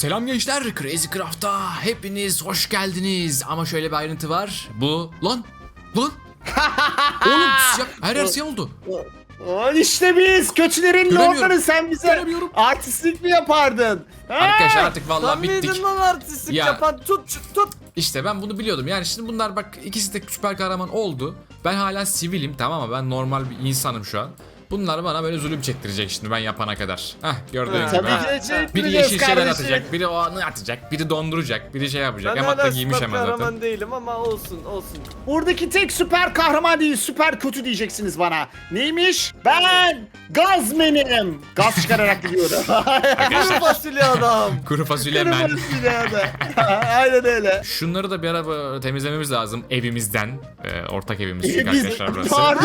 Selam gençler, Crazy Craft'a hepiniz hoş geldiniz. Ama şöyle bir ayrıntı var. Bu lan oğlum siyah, her yer siyah oldu. İşte biz kötülerin Göremiyorum. lordları, sen bize Göremiyorum. artistlik mi yapardın? Arkadaşlar artık vallahi Sen bittik. miydin lan artistlik Ya. yapan? Tut. İşte ben bunu biliyordum. Yani şimdi bunlar bak ikisi de süper kahraman oldu. Ben hala sivilim, tamam mı? Ben normal bir insanım şu an. Bunlar bana böyle zulüm çektirecek şimdi ben yapana kadar. Hah, gördüğünüz gibi. Tabii ha. ki de Biri çektireceğiz yeşil şeyler kardeşim. atacak, biri o anı atacak, biri donduracak, biri şey yapacak. Ben Emat da hala giymiş süper hemen zaten. kahraman değilim ama olsun. Buradaki tek süper kahraman değil, süper kötü diyeceksiniz bana. Neymiş? Ben Gazmenim. Gaz çıkararak gidiyorum. Kuru fasulye adam. Kuru fasulye men. Aynen öyle. Şunları da bir ara temizlememiz lazım evimizden. Ortak evimiz çünkü Biz, arkadaşlar burası. pardon.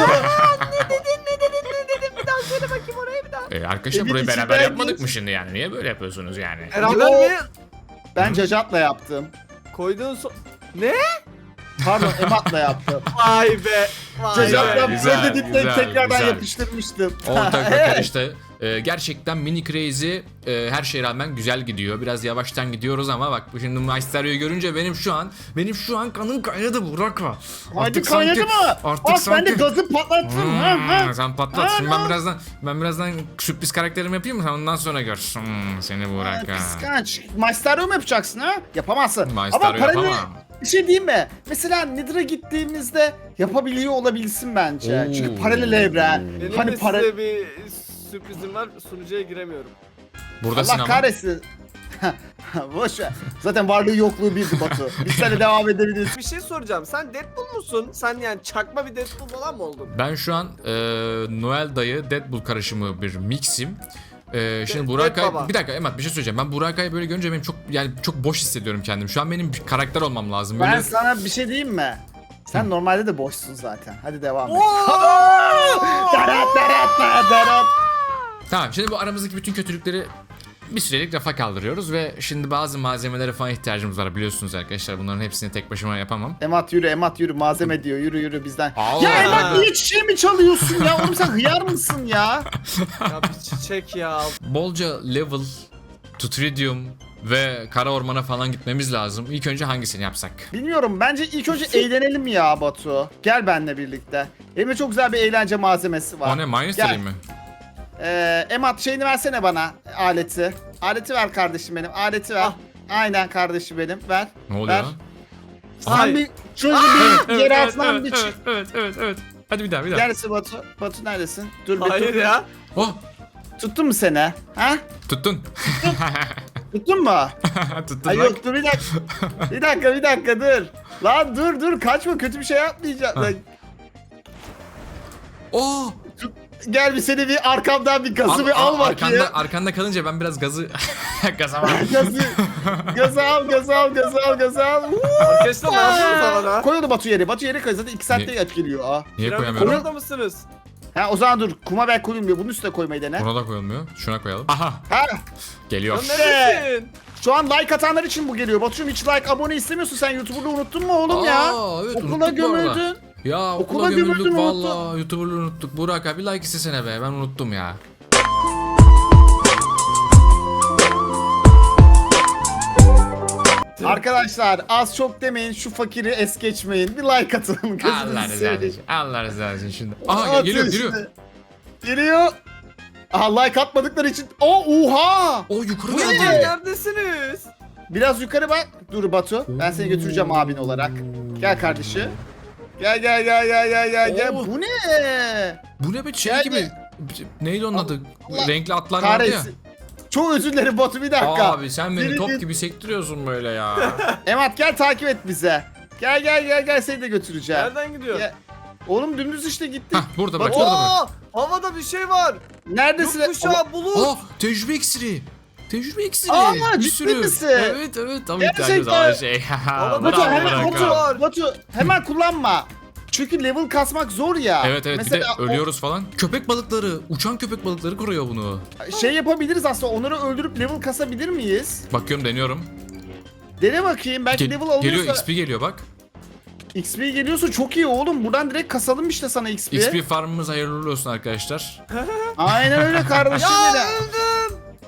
Bir daha söyle bakayım orayı bir daha. Arkadaşlar Evin burayı beraber içinden yapmadık değil. mı şimdi yani? Niye böyle yapıyorsunuz yani? Beraber Yo. mi? Ben Cacat'la yaptım. Koyduğun Ne? Pardon, Emat'la yaptım. Vay be. Vay Cacat'la be. güzel, böyle dipleyip güzel, tekrardan güzel. yapıştırmıştım. Ortak Evet. bakın işte. Gerçekten Mini Crazy her şeye rağmen güzel gidiyor. Biraz yavaştan gidiyoruz ama bak şimdi Maestrio'yu görünce benim şu an kanım kaynadı Burak. Hadi kaynadı mı? Artık Bak ben de sanki gazı patlattım. sen patlat. Şimdi Ha, ben birazdan sürpriz karakterimi yapayım mı? Sen ondan sonra gör. Seni Burak ha. Kıskanç. Maestro mu yapacaksın ha? Yapamazsın. Maestro Ama paralel yapamam. bir şey diyeyim mi? Mesela Nether'a gittiğimizde yapabiliyor olabilsin bence. Oo. Çünkü paralel evren. Benim Hani de size bir sürprizim var. Sunucuya giremiyorum. Buradasın Allah ama. kahretsin. Boş ver. Zaten varlığı yokluğu bildi Batu. Biz seninle devam edebiliriz. Bir şey soracağım. Sen Deadpool musun? Sen yani çakma bir Deadpool falan mı oldun? Ben şu an Noel dayı Deadpool karışımı bir mixim. Şimdi Burak Baba. Ay, bir dakika Emat bir şey söyleyeceğim. Ben Burak Ay'ı böyle görünce benim çok boş hissediyorum kendim. Şu an benim bir karakter olmam lazım. Böyle Ben sana bir şey diyeyim mi? Sen normalde de boşsun zaten. Hadi devam et. Darat darat darat. Tamam, şimdi bu aramızdaki bütün kötülükleri bir sürelik rafa kaldırıyoruz ve şimdi bazı malzemelere falan ihtiyacımız var biliyorsunuz arkadaşlar. Bunların hepsini tek başıma yapamam. Emat yürü malzeme diyor, yürü bizden. Allah. Ya Emat niye çiçeği mi çalıyorsun ya? Oğlum sen hıyar mısın ya? Ya bir çiçek ya. Bolca level, Tutridium ve kara ormana falan gitmemiz lazım. İlk önce hangisini yapsak? Bilmiyorum, bence ilk önce eğlenelim ya Batu. Gel benimle birlikte. Elimde çok güzel bir eğlence malzemesi var. O ne, minus Gel. değil mi? Emat şeyini versene bana, aleti. Aleti ver kardeşim benim, aleti ver. Ah. Aynen kardeşim benim, ver. Ne oluyor Ver. lan? Sen Ay. bir şöyle bir yere atlan bir çık. evet. Hadi bir daha. Neredesin Batu? Batu neredesin? Dur bir Hayır dur. ya. Oh, Tuttun mu seni? Ha? tuttun. Tuttun mu? Tuttun Ay bak. yok dur bir dakika. bir dakika dur. Lan dur kaçma, kötü bir şey yapmayacağım. Lan, Oh! gel bir seni bir arkamdan bir gazı bir al bakayım. Arkanda kalınca ben biraz gaza var. Gazı al. Arkadaşlar ne yapıyorsunuz havada? Koy onu Batu yere koy, zaten 2 saatte Niye? geliyor. Aa. Niye Piramit koyamıyorum? orada mısınız? Ha o zaman dur, kuma ben koyulmuyor, bunun üstüne koymayı dene. Buna da koyulmuyor. Şuna koyalım. Aha! Ha, Geliyor. Lan neredesin? şu an like atanlar için bu geliyor. Batucuğum hiç like abone istemiyorsun, sen YouTuber'lığı unuttun mu oğlum ya? Evet, Okula unuttuk bu arada. gömüldün. Ya okula Okula gömüldük gömüldün, valla. YouTuber'lığı unuttuk. Burak abi like istesene be. Ben unuttum ya. Arkadaşlar az çok demeyin, şu fakiri es geçmeyin. Bir like atın. Allah Gözünüzü razı seveyim. olsun. Allah razı olsun şimdi. Aha Atın geliyor. işte. Geliyor. Aha, like atmadıkları için. Oha! O yukarı Bu ne? geldi. Neredesiniz? Biraz yukarı bak. Dur Batu. Ben seni götüreceğim abin olarak. Gel kardeşim. Gel. Oo. Bu ne? Bu ne be şey Geldi. gibi. Neydi onun adı? Allah Renkli atlar vardı ya. Kahretsin. Çok özür dilerim Batu, bir dakika. Abi sen beni Biri- top gibi sektiriyorsun böyle ya. Emat gel takip et bize. Gel seni de götüreceğim. Nereden gidiyor? Gel. Oğlum dümdüz işte gittik. Hah burada bak. Bak, Şurada bak. Havada bir şey var. Neredesin? Gökkuşağı bulut. Oh tecrübe iksiri. Tecrübe iksiri. Aa, bir ciddi sürü. misin? Evet tam Gerçekten. ihtiyacımız olan şey. Batu, Batu Bravo, hemen Burak Batu. abi. Batu hemen kullanma. Çünkü level kasmak zor ya. Evet bir de Mesela ölüyoruz falan. Köpek balıkları, uçan köpek balıkları koruyor bunu. şey yapabiliriz aslında, onları öldürüp level kasabilir miyiz? Bakıyorum, deniyorum. Dene bakayım, belki level alıyorsa. Geliyor, XP geliyor bak. XP geliyorsa çok iyi oğlum. Buradan direkt kasalım işte sana XP. XP farmımız hayırlı olsun arkadaşlar. Aynen öyle kardeşim Ya benim. öldüm.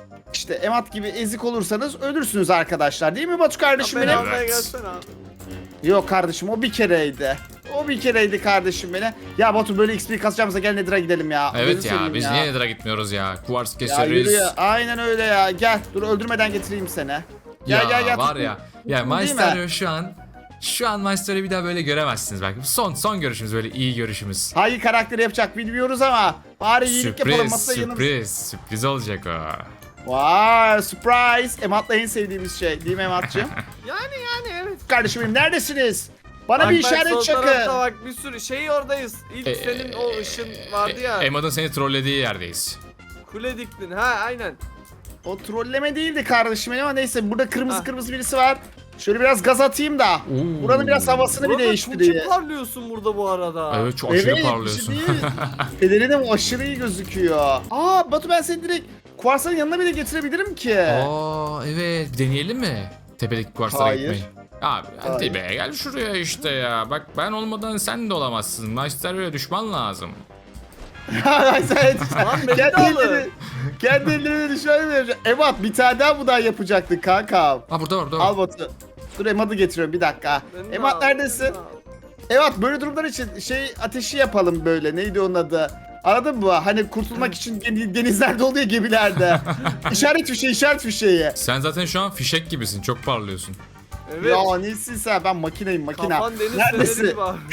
işte Emat gibi ezik olursanız ölürsünüz arkadaşlar. Değil mi Batu kardeşim Beni benim? almaya Evet. gelsene abi. Yok kardeşim o bir kereydi. O bir kereydi kardeşim beni. Ya Batu böyle XP kasacağımıza gel Nether'a gidelim ya. Evet Gözünü ya seveyim biz ya. niye Nether'a gitmiyoruz ya? Kuvars Ya yürü keseriz. ya. Aynen öyle ya. Gel dur öldürmeden getireyim seni. Gel Ya gel gel. var ya. Ya Tuttun değil mi? Maestro şu an Maestro'yu bir daha böyle göremezsiniz belki. Son görüşümüz, böyle iyi görüşümüz. Hangi karakteri yapacak bilmiyoruz ama bari iyilik yapalım masaya yanımız. Sürpriz olacak o. Vay surprise. Emat'la en sevdiğimiz şey değil mi Emat'cığım? Yani evet. Kardeşim benim neredesiniz? Bana Bak, bir bak, işaret sol çakın. tarafta bak bir sürü şey oradayız. İlk E, senin o ışın vardı ya. Emad'ın seni trollediği yerdeyiz. Kule diktin. Ha aynen. O trolleme değildi kardeşim benim ama neyse burada kırmızı Ah. kırmızı birisi var. Şöyle biraz gaz atayım da. Oo. Buranın biraz havasını bir Burada değiştireyim. çok parlıyorsun burada bu arada. Evet çok aşırı Evet, parlıyorsun. bir şey değil. Pelerinim aşırı iyi gözüküyor. Aa Batu ben seni direkt Kuarsların yanına bile getirebilirim ki. Aa evet, bir deneyelim mi? Tepedeki kuarslara Hayır. gitmeyi. Abi Hayır. hadi be, gel şuraya işte ya. Bak ben olmadan sen de olamazsın. Maestro'ya düşman lazım. Sen Lan beni de kendi alın. ellerini, kendi ellerini düşman vereceksin. Emat bir tane daha bundan yapacaktın kanka. Ha burada var. Al Batu. Dur Emat'ı getiriyorum bir dakika. Beni de Emat al, neredesin? beni de al. Evet böyle durumlar için şey ateşi yapalım böyle. Neydi onun adı? Anladın mı? Hani kurtulmak için denizlerde oluyor gemilerde. işaret fişeği. Sen zaten şu an fişek gibisin. Çok parlıyorsun. Evet. Ya nesin sen? Ben makineyim makina. Kafan deniz Neredesin? feneri gibi abi.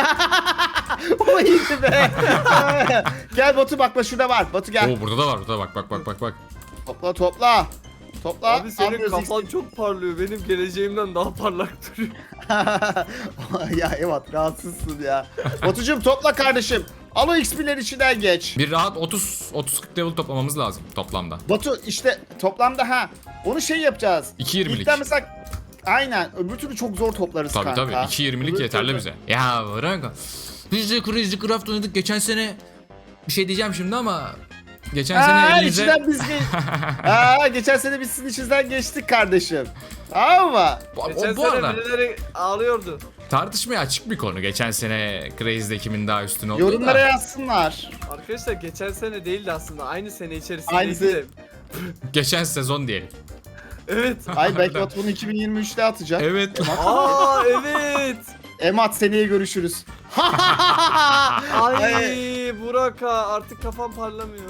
O iyiydi be. Gel Batu bak şurada var. Batu gel. Oo burada da var. Burada bak. Topla topla. Topla. Abi senin Almıyoruz kafan çok parlıyor. Benim geleceğimden daha parlak duruyor. ya evet rahatsızsın ya. Batucuğum topla kardeşim. Al o XP'ler içinden geç. Bir rahat 30-40 level toplamamız lazım toplamda. Batu işte toplamda ha. Onu şey yapacağız. 2.20'lik. İlkten mesela aynen öbür türlü çok zor toplarız Tabii kanka. tabii 2.20'lik Öbür yeterli türlü- bize. Ya bırak. Biz de Crazy Craft oynadık geçen sene. Bir şey diyeceğim şimdi ama geçen sene Aa, elinize... içinden biz geçen sene biz sizin içinizden geçtik kardeşim. Tamam mı? Geçen Bu sene arada birileri ağlıyordu. tartışmaya açık bir konu. Geçen sene Crazy'de kimin daha üstün olduğu Yorumlara da. yazsınlar. Arkadaşlar geçen sene değildi aslında. Aynı sene içerisindeydi Aynısı. de. Geçen sezon diyelim. Evet. Ay belki Batu bunu 2023'te atacak. Evet. Aa evet. Emat seneye görüşürüz. Ay Burak ha, artık kafam parlamıyor.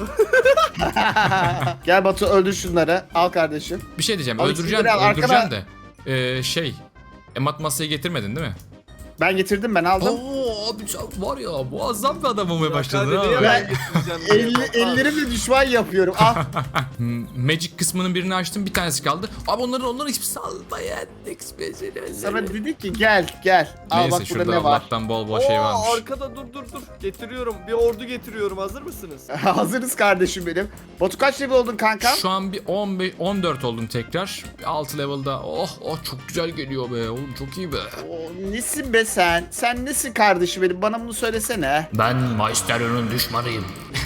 Gel Batu öldür şunları. Al kardeşim. Bir şey diyeceğim. Abi Öldüreceğim, sinirleri al, öldüreceğim de. Emat masayı getirmedin değil mi? Ben getirdim ben aldım. Oo abi sen var ya muazzam bir adam olmaya Burak başladın hadi niye ha. ben getireceğim diye. Ellerimle düşman yapıyorum. Al. Magic kısmının birini açtım, bir tanesi kaldı. Abi onların hiçbir almayan Sana dedik ki gel. Al Neyse bak burada şurada ne var. Allah'tan bol şey Oo, varmış. arkada dur. Getiriyorum. Bir ordu getiriyorum. Hazır mısınız? Hazırız kardeşim benim. Batu kaç level oldun kanka? Şu an bir 14 oldum tekrar. 6 level'da. Oh çok güzel geliyor be. Oğlum çok iyi be. Nesin be sen? Sen nesin kardeşim benim? Bana bunu söylesene. Ben Maestro'nun düşmanıyım.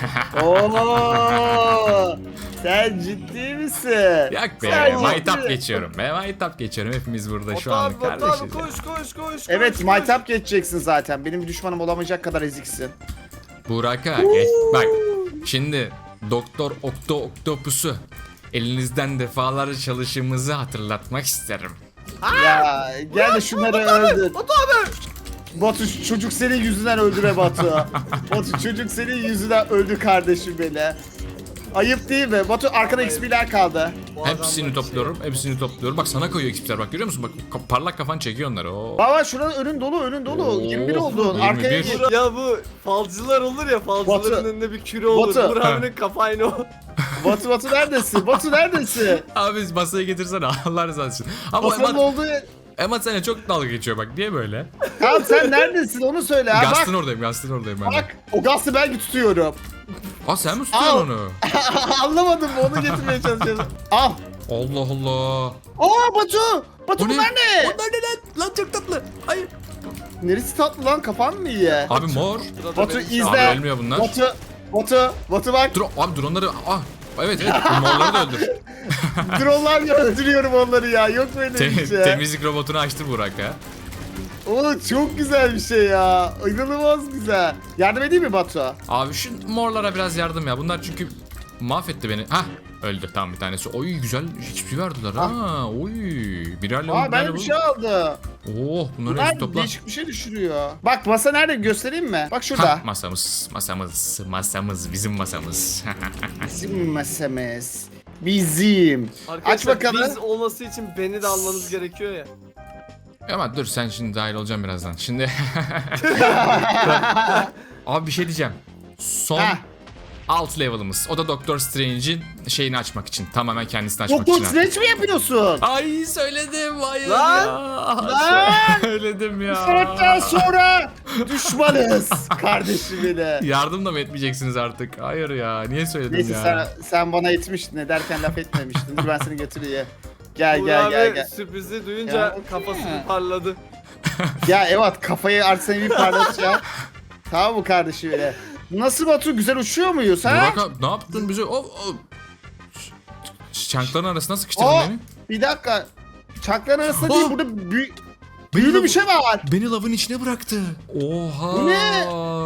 Oo, sen ciddi misin? Yak be. Sen Maytap ciddi. geçiyorum be. Maytap geçiyorum. Hepimiz burada şu Batu an abi, Batu kardeşiz. abi koş. Evet koş. maytap geçeceksin zaten. Benim bir düşmanım olamayacak kadar eziksin. Burak'a geç. Bak şimdi Doktor Octopus'u elinizden defalarca çalışımızı hatırlatmak isterim. Ya gel de şunları öldür. Batu abi. Batu çocuk senin yüzünden öldü be Batu. Batu çocuk senin yüzünden öldü kardeşim beni. Ayıp değil mi? Batu arkada XP'ler kaldı. Bu Hepsini adamlar topluyorum. Hepsini topluyorum. Bak sana koyuyor ekipler. Bak görüyor musun? Bak parlak kafan çekiyor onları. Oo. Baba şuranın önün dolu. Oo, 21 oldun. 21. Arkaya git. şey. Ya bu falcılar olur ya, falcıların Batu. önünde bir küre olur. Batu. Burak abinin kafa aynı o. Batu neredesin? Batu neredesin? Abi masaya getirsene. Allah rızası için. Ama Batu'nun Emat, olduğu yer. Emat sana çok dalga geçiyor bak. Niye böyle? Tamam sen neredesin onu söyle ha. Gastın Bak. oradayım. Gastın oradayım ben de. Bak o gazı ben tutuyorum. Aa sen mi tutuyorsun Al. onu? Anlamadım mı? Onu getirmeye çalışıyorum. Al. Allah Allah. Aa Batu. Batu O ne? bunlar ne? Onlar ne lan? Lan çok tatlı. Hayır. Neresi tatlı lan kafan mı iyi? Abi mor. Batu Abi izle. ölmüyor bunlar. Batu bak. Dur abi dronları. Ah. Evet bu morları da öldür. Dronlarla öldürüyorum onları ya. Yok böyle bir şey. Temizlik robotunu açtı Burak ha. Oğlum çok güzel bir şey ya. İnanılmaz güzel. Yardım edeyim mi Batu? Abi şu morlara biraz yardım ya. Bunlar çünkü mahvetti beni. Hah öldü. Tamam bir tanesi. Oy güzel hiçbir verdiler ha. Oy. Birer level. Aa ben bir şey aldım. Oh bunları hepsini Bunlar topla. değişik bir şey düşürüyor. Bak masa nerede göstereyim mi? Bak şurada. Hah, masamız bizim masamız. Bizim masamız. Bizim. Arkadaşlar Aç bakalım. biz olması için beni de almanız gerekiyor ya. Ama dur sen şimdi dahil olacaksın birazdan. Şimdi abi bir şey diyeceğim. Son Heh. alt level'ımız. O da Doctor Strange'in şeyini açmak için. Tamamen kendisini açmak Doktor için. Strange mi yapıyorsun? Ay söyledim hayır Lan! ya. Lan! Söyledim ya. Saatten sonra düşmanız kardeşim bile. Yardım da mı etmeyeceksiniz artık? Hayır ya. Niye söyledim Neyse ya? sen bana etmiştin ederken laf etmemiştin. Dur ben seni götüreyim. Gel Uğur gel abi gel gel. sürprizi duyunca Ya. kafası bir parladı. Ya evet kafayı Arsenal'i bir parlatacağım. Tamam mı kardeşim bile? Nasıl Batu güzel uçuyor muyuz ha? Burak abi ne yaptın bize? Çankların arasına sıkıştırdın Aa, beni. bir dakika. Çakların arasında Aa! değil burada büyülü bir şey var. Beni lavın içine bıraktı. Oha. Bu ne?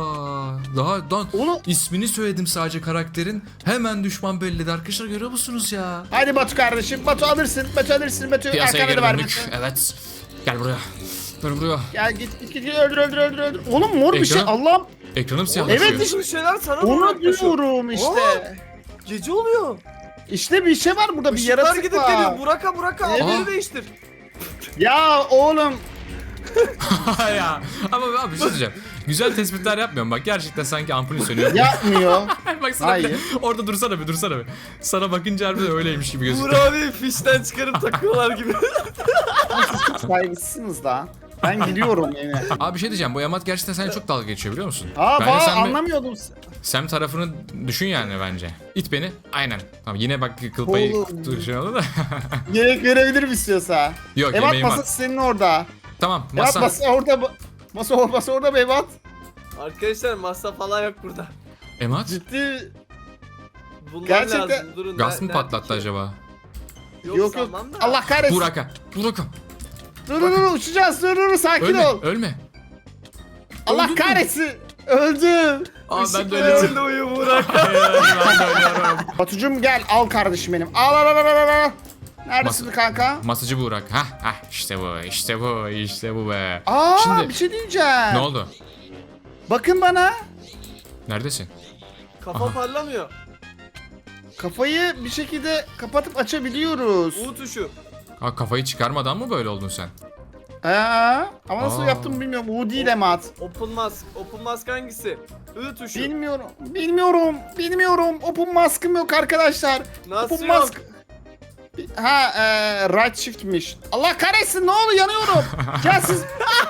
Daha Oğlum. ismini söyledim sadece karakterin. Hemen düşman belledi. Arkadaşlar görüyor musunuz ya? Hadi Batu kardeşim. Batu alırsın. Batu alırsın. Batu Piyasaya arkana geri da var döndük. Batu. Evet. Gel buraya. Gel buraya. Gel git öldür. Oğlum mor bir şey Ekran- Allah'ım. Ekranım siyahlaşıyor. Evet, işte- Bir şeyler sana Onu yaklaşıyor. diyorum işte. Gece oluyor. İşte bir şey var burada bir Işıklar yaratık gidip var. geliyor. Buraka Evet. haberi değiştir. Ya oğlum. ya. Ama abi bir şey diyeceğim. Güzel tespitler yapmıyorum bak. Gerçekten sanki ampulün sönüyor. Yapmıyor. Bak sana bir de- Hayır. orada dursana bir. Sana bakınca harbiden öyleymiş gibi Uğur gözüküyor. abi fişten çıkarıp takıyorlar gibi. Saygısızsınız da. Ben gidiyorum yine. Abi bir şey diyeceğim. Bu Yamat gerçekten seninle çok dalga geçiyor biliyor musun? Aa Bence bak sen anlamıyordum. Sam tarafını düşün yani bence. İt beni. Aynen. Tamam yine bak kıl payı Oğlum. şey oldu da. Yemek verebilirim istiyorsa. Yok Evat yemeğim var. masası senin orada. Tamam Evat masa. masa orada. Masa orada mı Evat? Arkadaşlar masa falan yok burada. Emat? Ciddi. Bunlar Gerçekten- lazım. Durun. Gaz mı nerede patlattı ki? acaba? Yok sanmam da. Allah kahretsin. Buraka. Dur uçacağız. Dur sakin Ölme. ol. Ölme. Allah Öldün mü? kahretsin. Öldüm. Aa ben de Işıklar ölüyorum. içinde uyu Burak. Hayır, ben de ölüyorum. Batucum gel al kardeşim benim. Al. Neredesin Masa- kanka? Masacı Burak. Hah işte bu be. Aa Şimdi- bir şey diyeceğim. Ne oldu? Bakın bana. Neredesin? Kafa Aha. parlamıyor. Kafayı bir şekilde kapatıp açabiliyoruz. U tuşu. Ha kafayı çıkarmadan mı böyle oldun sen? Ama nasıl Aa. yaptım bilmiyorum. U değil Emat. Open mask. Open mask hangisi? I tuşu. Bilmiyorum. Open mask'ım yok arkadaşlar. Nasıl Open yok? mask. Right shift'miş. Allah kahretsin ne oldu yanıyorum. Gel siz.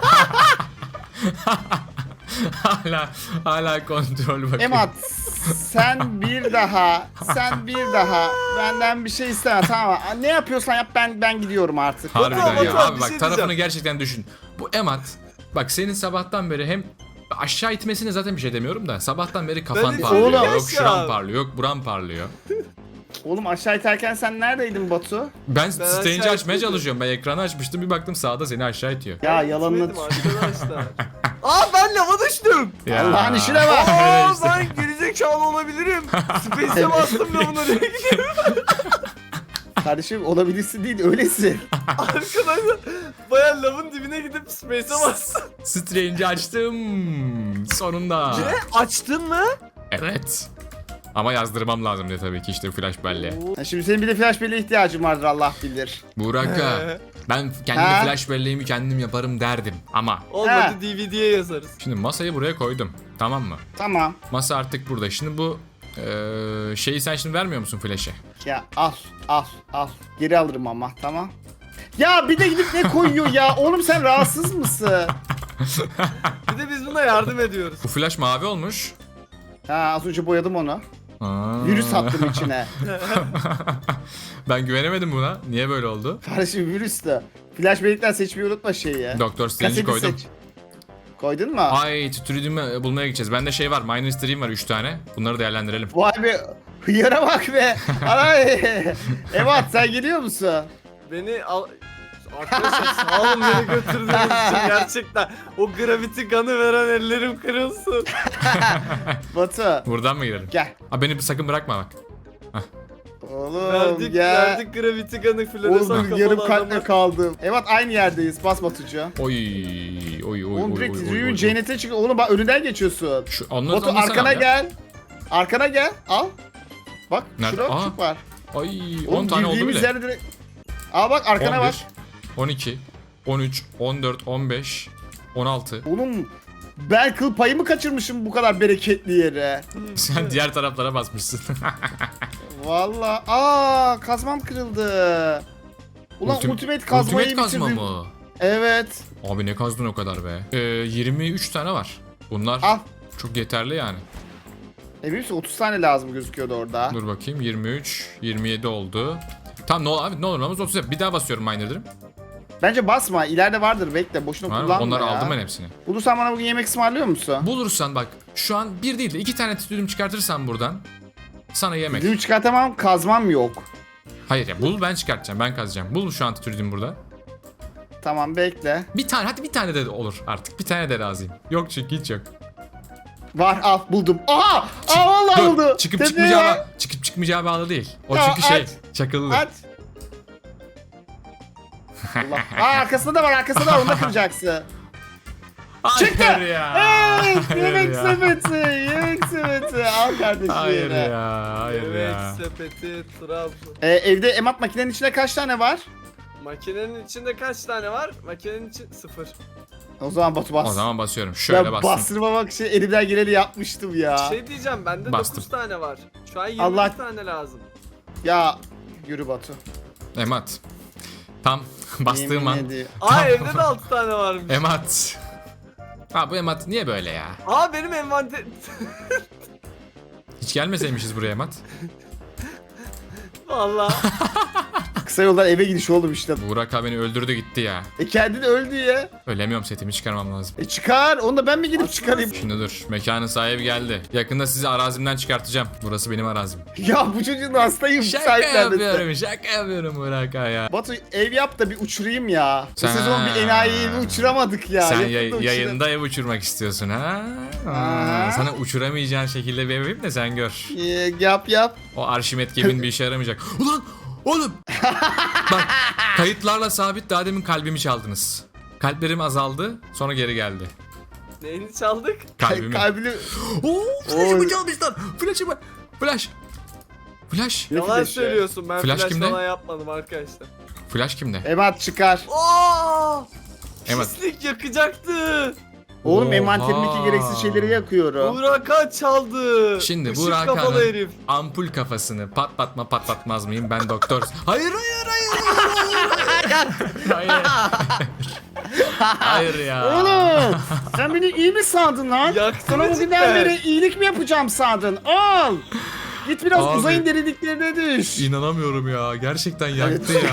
hala kontrol bakıyor. Emat sen bir daha benden bir şey isteme tamam mı? Ne yapıyorsan yap ben gidiyorum artık. Harbiden Batu ya. abi, Abi bir bak şey tarafını diyeceğim. gerçekten düşün. Bu Emat bak senin sabahtan beri hem aşağı itmesine zaten bir şey demiyorum da sabahtan beri kafan Ben parlıyor. Oğlum. Yok şuran parlıyor. Yok buran parlıyor. Oğlum aşağı iterken sen neredeydin Batu? Ben aşağı Strange'i açmaya itmedim. çalışıyorum. Ben ekranı açmıştım bir baktım sağda seni aşağı itiyor. Ya yalanını Gitmedim arkadaşlar. Aa ben lava düştüm. Ya. Allah'ın işine bak. Öyle Aa işte. ben gerizekalı olabilirim. Space'e bastım lavına diye. Kardeşim olabilirsin değil öylesin. Arkadaşlar baya lavın dibine gidip space'e bastım. Strange'i açtım. Sonunda. Ne? Açtın mı? Evet. Ama yazdırmam lazım diye tabii ki işte flash belleğe. Ha, şimdi senin bir de flash belleğe ihtiyacın vardır Allah bilir. Burak'a ben kendi Ha? flash belleğimi kendim yaparım derdim ama Olmadı Ha. DVD'ye yazarız. şimdi masayı buraya koydum. Tamam mı? Tamam. Masa artık burada. Şimdi bu şeyi sen şimdi vermiyor musun flash'e? Ya al. Geri alırım ama tamam. Ya bir de gidip ne koyuyor ya? Oğlum sen rahatsız mısın? Bir de biz buna yardım ediyoruz. Bu flash mavi olmuş. Ha az önce boyadım onu. Aa. Virüs attım içine. Ben güvenemedim buna. Niye böyle oldu? Kardeşim virüs de. Flash bellekten seçmeyi unutma şeyi ya. Doktor Strange'i Kaseti koydum. seç. Koydun mu? Ay tütürüdüğümü bulmaya gideceğiz. Bende şey var. Minor Stream var 3 tane. Bunları değerlendirelim. Vay be. Hıyara bak be. Ay. Evet sen geliyor musun? Beni al... Arkadaşlar sağ olun beni götürdüğünüz için gerçekten. O gravity gun'ı veren ellerim kırılsın. Batu. Buradan mı girelim? Gel. Ha beni sakın bırakma bak. Oğlum Verdik, gel. verdik Gravity Gun'ı floresan Oğlum kafalı yarım adama. kalple kaldım. Evet aynı yerdeyiz. Bas Batucu. Oy oy oy Oğlum oy direkt oy, Rüyün oy. cennete çıkıyor. Oğlum bak önünden geçiyorsun. Şu onları Batu anlasana arkana abi ya. gel. Arkana gel. Al. Bak Nerede? şurada Aa. küçük var. Ay 10 Oğlum tane oldu girdiğimiz bile. yerde direkt. Al bak arkana 11, bak. 12, 13, 14, 15, 16. Oğlum ben kıl payımı kaçırmışım bu kadar bereketli yere. Sen diğer taraflara basmışsın. Valla. Aa kazmam kırıldı. Ulan ultimate kazmayı Ultimate kazma bitirdim. mı? Evet. Abi ne kazdın o kadar be? 23 tane var. Bunlar Al. çok yeterli yani. Emin misin 30 tane lazım gözüküyordu orada. Dur bakayım 23, 27 oldu. Tamam ne olur abi ne olur olmaz 30 yap. Bir daha basıyorum miner'ım. Bence basma ileride vardır bekle boşuna Var mı? kullanma Onları ya. aldım ben hepsini. Bulursan bana bugün yemek ısmarlıyor musun? Bulursan bak şu an bir değil de 2 tane titülüm çıkartırsan buradan sana yemek. Düğüm çıkartamam kazmam yok. Hayır ya bul ben çıkartacağım ben kazacağım. Bul şu an titülüm burada. Tamam bekle. Bir tane hadi bir tane de olur artık. Bir tane de razıyım. Yok çünkü hiç yok. Var al buldum. Aha! Aa vallahi Dur, oldu. çıkıp Tepeye çıkmayacağı bak. çıkıp çıkmayacağı bağlı değil. O Ya çünkü şey aç. çakıllı. Aç. Allah. Aa arkasında da var arkasında da var onu da kıracaksın. Çıktı. Hayır ya. Evet Hayır yemek ya. sepeti. Yemek sepeti. Al kardeşim. Hayır yine. ya. Hayır Evet ya. sepeti Trabzon. Evde emat makinenin içinde kaç tane var? Makinenin içinde kaç tane var? Makinenin için 0. O zaman Batu bas. O zaman basıyorum. Şöyle ben bastım. bastırmamak için elimden geleni yapmıştım ya. Şey diyeceğim bende Bastım. 9 tane var. Şu an 20 Allah- tane lazım. Ya yürü Batu. Emat. Tam bastığım Yemin an. ediyorum. Aa evde de 6 tane varmış. Emat. Ha bu Emat niye böyle ya? Aa benim envanter... Hiç gelmeseymişiz buraya Emat. Vallahi. Kısa yoldan eve gidiş oğlum işte. Burak abi beni öldürdü gitti ya. Kendini öldü ya. Ölemiyorum setimi çıkarmam lazım. Çıkar. Onu da ben mi gidip çıkarayım? Şimdi dur. Mekanın sahibi geldi. Yakında sizi arazimden çıkartacağım. Burası benim arazim. Ya bu çocuğun hastayım. Şaka sahiplenmesi. yapıyorum. Şaka yapıyorum Burak abi ya. Batu ev yap da bir uçurayım ya. Bu Sen- sezon bir enayiyi bir uçuramadık ya. Sen Yakında uçurayım. yayında ev uçurmak istiyorsun ha? Aa. Sana uçuramayacağın şekilde bir ev yapayım da sen gör. Yap. O Arşimet gemin bir işe yaramayacak. Ulan oğlum. Bak kayıtlarla sabit daha demin kalbimi çaldınız. Kalplerim azaldı sonra geri geldi. Neyini çaldık? Kalbimi. Kalbini... Oo, flash'ımı Oy. çalmışlar. Flash'ımı. Flash. Flash. Ne Yalan flash'ı? söylüyorsun ben Flash flash kimde? falan yapmadım arkadaşlar. Flash kimde? Emat çıkar. Aa! Evet. Pislik yakacaktı. Oğlum Oha. envanterimdeki gereksiz şeyleri yakıyorum. Burak'a çaldı. Şimdi Işık Burak kafalı Han'ın herif. ampul kafasını patlatmaz mıyım ben doktor. Hayır. Hayır. Hayır ya. Oğlum sen beni iyi mi sandın lan? Yaktı Sana mı bugünden cidden? beri iyilik mi yapacağım sandın? Al. Git biraz Abi. uzayın derinliklerine düş. İnanamıyorum ya. Gerçekten yaktı ya.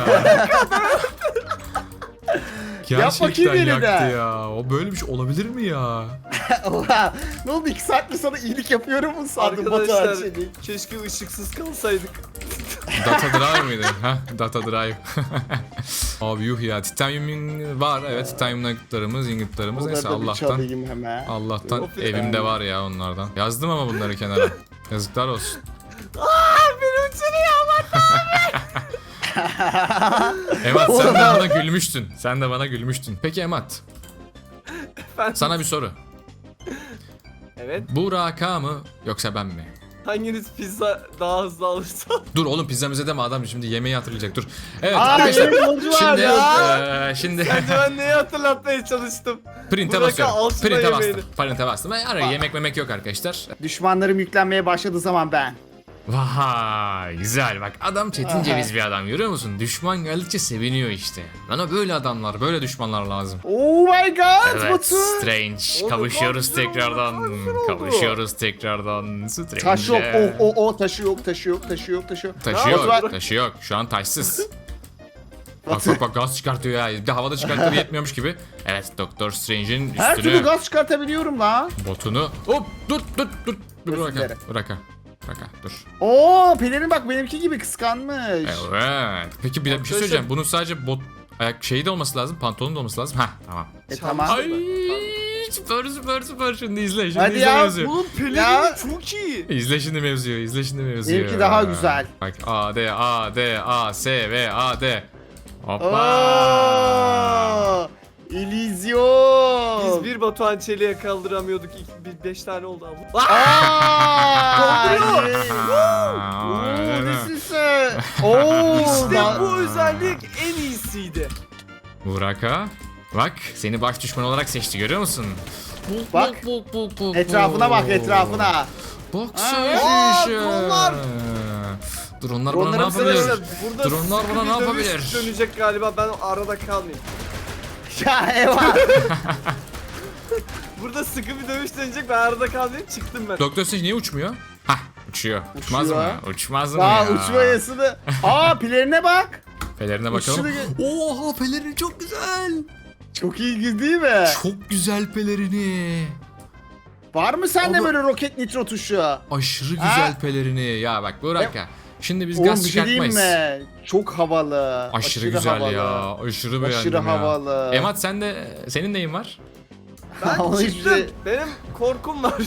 Yap Gerçekten bakayım yaktı yeniden. ya. O böyle bir şey olabilir mi ya? Oha, ne oldu 2 saattir sana iyilik yapıyorum mu sandın Batu Arkadaşlar Arçelik? keşke ışıksız kalsaydık. Data Drive mıydı? Ha, Data Drive. Abi yuh ya. Titanium var. Evet, titanium nuggetlarımız, ingotlarımız. Onları Neyse da bir Allah'tan. çalayım hemen. Allah'tan Of ya. evimde var ya onlardan. Yazdım ama bunları kenara. Yazıklar olsun. Beni uçuruyor Emat sen de bana gülmüştün. Sen de bana gülmüştün. Peki Emat, ama. sana bir soru. Evet. Burak mı yoksa ben mi? Hanginiz pizza daha hızlı alırsa? Dur oğlum pizzamıza deme adam şimdi yemeği hatırlayacak dur. Evet Aa, arkadaşlar benim yolcu var şimdi ya. şimdi Bence ben neyi hatırlatmaya çalıştım? print'e Burak'a basıyorum. alsın Print'e bastım. yemeğini. Print'e bastım. Ara yemek memek yok arkadaşlar. Düşmanlarım yüklenmeye başladığı zaman ben. Vay güzel bak adam çetin Aha. ceviz bir adam görüyor musun? Düşman geldikçe seviniyor işte. Bana böyle adamlar böyle düşmanlar lazım. Oh my god Evet Batu. Strange Oğlum, kavuşuyoruz güzel oldu, tekrardan. güzel oldu. Kavuşuyoruz tekrardan. Strange. Taş yok taşı yok taşı yok taşı yok taşı yok. Taşı Ne yok, var? taşı yok. Şu an taşsız. Bak gaz çıkartıyor ya. Bir de havada çıkarttığı yetmiyormuş gibi. Evet Doktor Strange'in Her türlü üstünü, gaz çıkartabiliyorum la. botunu. Hop dur. Özür Bırak dilerim. Bırak dur. Oo pelerin bak benimki gibi kıskanmış. Evet. Peki bir şey Arkadaşlar- söyleyeceğim. Bunun sadece bot ayak şeyi de olması lazım. Pantolonun da olması lazım. Hah tamam. Tamam. Ay Süper. Şimdi izle. Şimdi Hadi izle ya, mevzuyu. Oğlum pelerini Ya. çok iyi. İzle şimdi mevzuyu. Benimki daha güzel. Bak A, D, A, S, V, A, D. Hoppa. Ooo. İllüzyon. Biz bir Batuhan Çelik'e kaldıramıyorduk. 5 tane oldu abla. Aaa. Aa, Nesin sen? Oo. İşte bu özellik en iyisiydi. Burak'a. Bak seni baş düşman olarak seçti görüyor musun? Bak. Etrafına bak, etrafına. Bak Aa, sen dronlar. Dronlar bana ne Dronların yapabilir? Arkadaşlar burada Dronlar sıkı bana bir ne dövüş yapabilir? dönecek galiba, ben arada kalmayayım. Ya eyvah. Burada sıkı bir dövüş dönecek, ben arada kalmayayım, çıktım ben. Doktor Strange niye uçmuyor? Hah uçuyor. Uçmaz mı? Uçuyor. Uçmaz mı Daha ya? uçmayasını. Aa, pilerine bak. Pelerine bakalım. Uçuşunu Oha pelerini çok güzel. Çok iyi değil mi? Çok güzel pelerini. Var mı sende Ama- böyle roket nitro tuşu? Aşırı güzel Ha? pelerini. Ya bak Burak ya. Şimdi biz Oğlum gaz bir şey diyeyim çıkartmayız. mi? Çok havalı. Aşırı güzel havalı. ya. Aşırı beğendim Aşırı ya. havalı. Emat senin neyin var? Ben Onu çıktım. işte- Benim korkum var.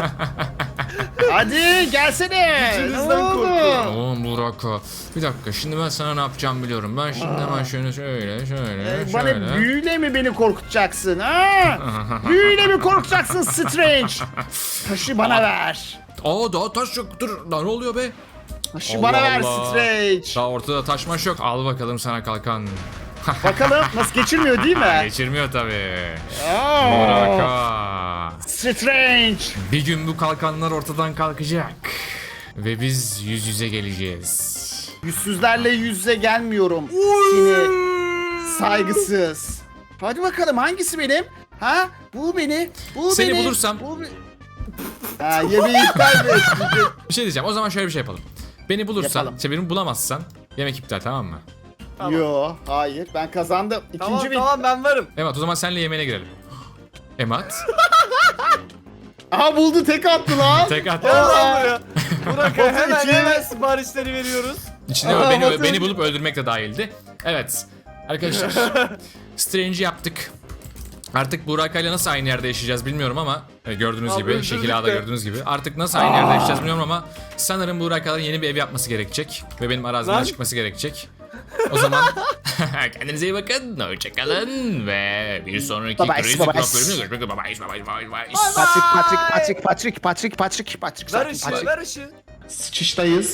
Hadi gelsene. Gücünüzden Ne oldu? korkuyorum. Oğlum Burak. Bir dakika şimdi ben sana ne yapacağım biliyorum. Ben şimdi hemen şöyle. Bana büyüyle mi beni korkutacaksın ha? Büyüyle mi korkutacaksın Strange? Taşı bana ver. Aa daha taş yok. Dur daha ne oluyor be? Taşı Allah bana ver Allah. Strange. Daha ortada taşmaş yok. Al bakalım sana kalkan. Bakalım nasıl geçirmiyor değil mi? Geçirmiyor tabii. Aa, Burak. Strange. Bir gün bu kalkanlar ortadan kalkacak. Ve biz yüz yüze geleceğiz. Yüzsüzlerle yüz yüze gelmiyorum. Seni saygısız. Hadi bakalım hangisi benim? Ha? Bu beni. Bu Seni beni. bulursam- Bu ha, yemeği iptal et. Bir şey diyeceğim. O zaman şöyle bir şey yapalım. Beni bulursan, Yapalım. beni bulamazsan yemek iptal tamam mı? Tamam. Yo, hayır. Ben kazandım. Tamam İkinci tamam, ben varım. Emat o zaman senle yemeğine girelim. Emat. Aha buldu, tek attı lan. Tek at. Gel lan buraya. Burak Batu hemen içine- hemen siparişleri veriyoruz. İçine Aa, beni, Batu. beni bulup öldürmek de dahildi. Evet. Arkadaşlar. Strange'i yaptık. Artık Burak'ayla nasıl aynı yerde yaşayacağız bilmiyorum ama gördüğünüz Abi gibi, öldürdük şekil A'da de. gördüğünüz gibi. Artık nasıl aynı yerde yaşayacağız bilmiyorum ama sanırım Burak'ların yeni bir ev yapması gerekecek ve benim arazimden Lan. çıkması gerekecek. O zaman kendinize iyi bakın, hoşçakalın ve bir sonraki Bye bye, Crazy bye Club bye. bölümünde görüşmek üzere. Bye bye, bye bye. Patrick. Ver Sakin, ışığı, Patrick. ver ışığı. Sıçıştayız.